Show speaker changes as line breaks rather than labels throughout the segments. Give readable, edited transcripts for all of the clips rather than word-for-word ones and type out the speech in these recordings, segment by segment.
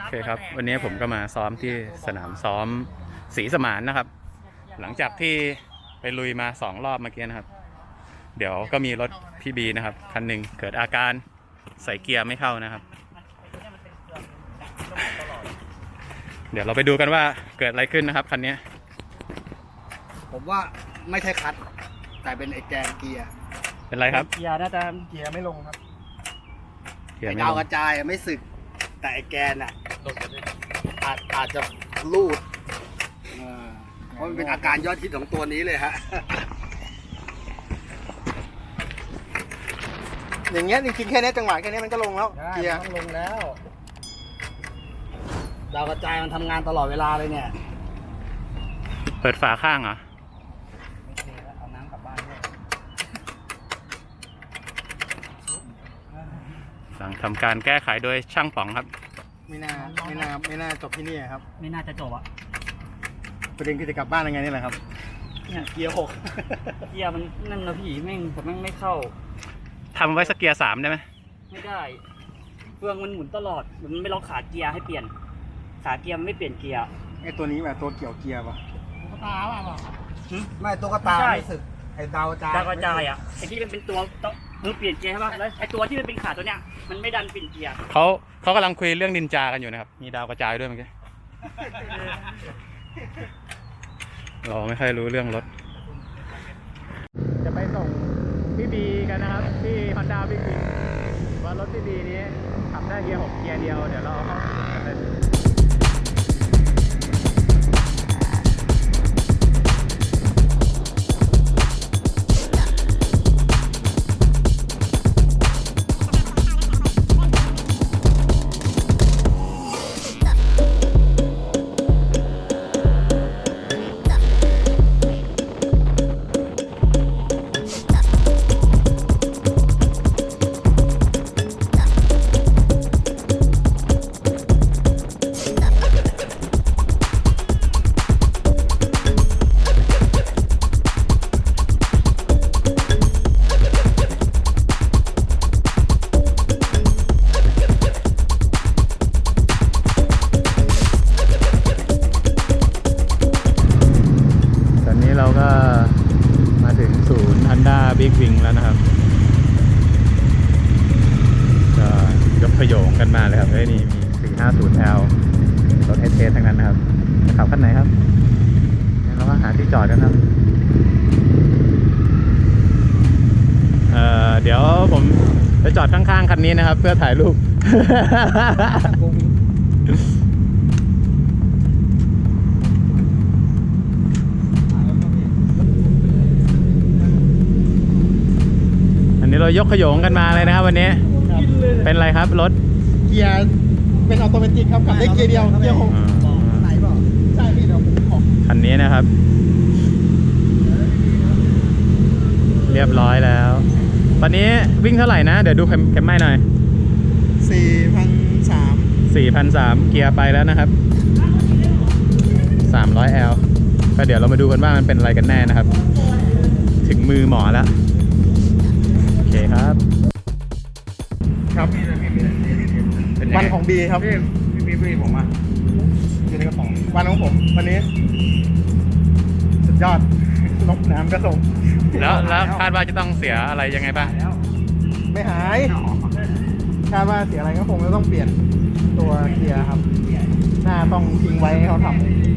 โอเคครับวันนี้ผมก็มาซ้อมที่สนามซ้อมศรีสมานนะครับหลังจากที่ไปลุยมา2 รอบเมื่อกี้นะครับเดี๋ยวก็มีรถพี่บีนะครับคันหนึ่งเกิดอาการใส่เกียร์ไม่เข้านะครับเดี๋ยวเราไปดูกันว่าเกิดอะไรขึ้นนะครับคันนี้
ผมว่าไม่ใช่คัทแต่เป็นไอ้แกนเกียร์
เป็นไรครับ
เกียร์น่าจะ
เกียร์ไม่ลงครับ
เกียร์
ไอ้
ไม่
ดาว
ล
ก
ง
ระจายไม่สึกแต่ไอ้แกนอาจจะลูดเพราะมันเป็นอาการยอดฮิตของตัวนี้เลยฮะ อย่างเงี้ยจริงๆแค่นี้จังหวะแค่นี้มันก็ลงแล้วเกียร์ลงแล้วดาวกระจายมันทำงานตลอดเวลาเลยเนี่ย
เปิดฝาข้างเหรอ
เอาน้ำกลับบ้านด้วย
สั่งทำการแก้ไขโดยช่างป๋องครับ
ไม่น่าจบที่นี่ครับ
ไม่น่าจะจบอ่ะ
ประเด็นคือจะกลับบ้านยังไงนี่แหละครับ
เนี่ย
เกียร์
เกียร์มันนั่นนะพี่แม่งแต่แม่งไม่เข้า
ทำไว้สักเกียร์3ได้ไหม
ไม่ได้เฟืองมันหมุนตลอดมันไม่ล็อกขาเกียร์ให้เปลี่ยนขาเกียร์มันไม่เปลี่ยนเกียร์
ไอ้ตัวนี้แบบตัวเกี่ยวเกียร์ป่ะ
ตุ๊กตาป่ะ
ไม่ตุ๊กตาไม่สึกไอ้ดาวกระ
จายอ่ะไอ้ที่มันเป็นตัวมือเปลี่ยนเกียร์ใช่ป่ะแล้วไอ้ตัวที่มันเป็นขาตัวเนี้ยมันไม่ดันเปลี่ยนเกียร์
เขากำลังคุยเรื่องนินจากันอยู่นะครับมีดาวกระจายด้วยเมื่อกี้เราไม่ค่อยรู้เรื่องรถจะไปส่งพี่บีกันนะครับที่ Honda Big Wing ว่ารถพี่บีนี้ขับได้เกียร์6เกียร์เดียวเดี๋ยวเราเอาเข้ากันเลยเราก็มาถึงศูนย์ Honda Big Wing แล้วนะครับก็ยกขโยงกันมาเลยครับเฮ้ยนี่มี 450L รถเทสทั้งนั้นนะครับจะขับคันไหนครับเราก็หาที่จอดกันครับเดี๋ยวผมจะจอดข้างๆคันนี้นะครับเพื่อถ่ายรูป เรายกขโยงกันมาเลยนะครับวันนี้เป็นไรครับรถ
เกียร์เป็นออโตเมติกครับขับได้เกียร์เดียวเกียร์6ไหนบอกใช่พี่เดี๋ยวผมขอ
คันนี้นะครับเรียบร้อยแล้วตอนนี้วิ่งเท่าไหร่นะเดี๋ยวดูเข็มไม้หน่อย 4,300 เกียร์ไปแล้วนะครับ 300L ก็เดี๋ยวเรามาดูกันว่ามันเป็นอะไรกันแน่นะครับถึงมือหมอแล้วโอเคครับ
วันของบีครับพี่ผมอ่ะอยู่ในกระป๋องวันของผมวันนี้สุดยอดลบน้ำกระส่ง
แล้วคาดว่าจะต้องเสียอะไรยังไงบ้าง
ไม่หายคาดว่าเสียอะไรก็คงจะต้องเปลี่ยนตัวเกียร์ครับหน้าต้องทิ้งไว้ให้เขาทำ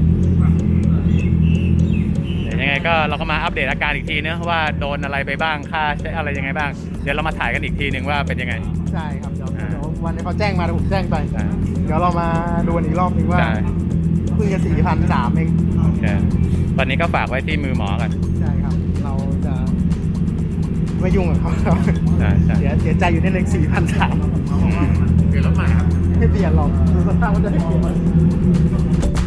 ยังไงก็เราก็มาอัปเดตอาการอีกทีนะว่าโดนอะไรไปบ้างค่าใช้อะไรยังไงบ้างเดี๋ยวเรามาถ่ายกันอีกทีหนึ่งว่าเป็นยังไง
ใช่ครับเดี๋ยววันนี้เขาแจ้งมาผมแจ้งไปเดี๋ยวเรามาดูอีกรอบนึงว่าเพิ่งจะ 4,300 เอง
โอเคตอนนี้ก็ฝากไว้ที่มือหมอกัน
ใช่ครับเราจะไม่ยุ่งกับเขาเสียใจอยู่ในเลข 4,300
เปลี่ยนรถใหม่ครับ
ไม่เปลี่ยนหรอกดูสภาพมันจะให้เปลี่ยน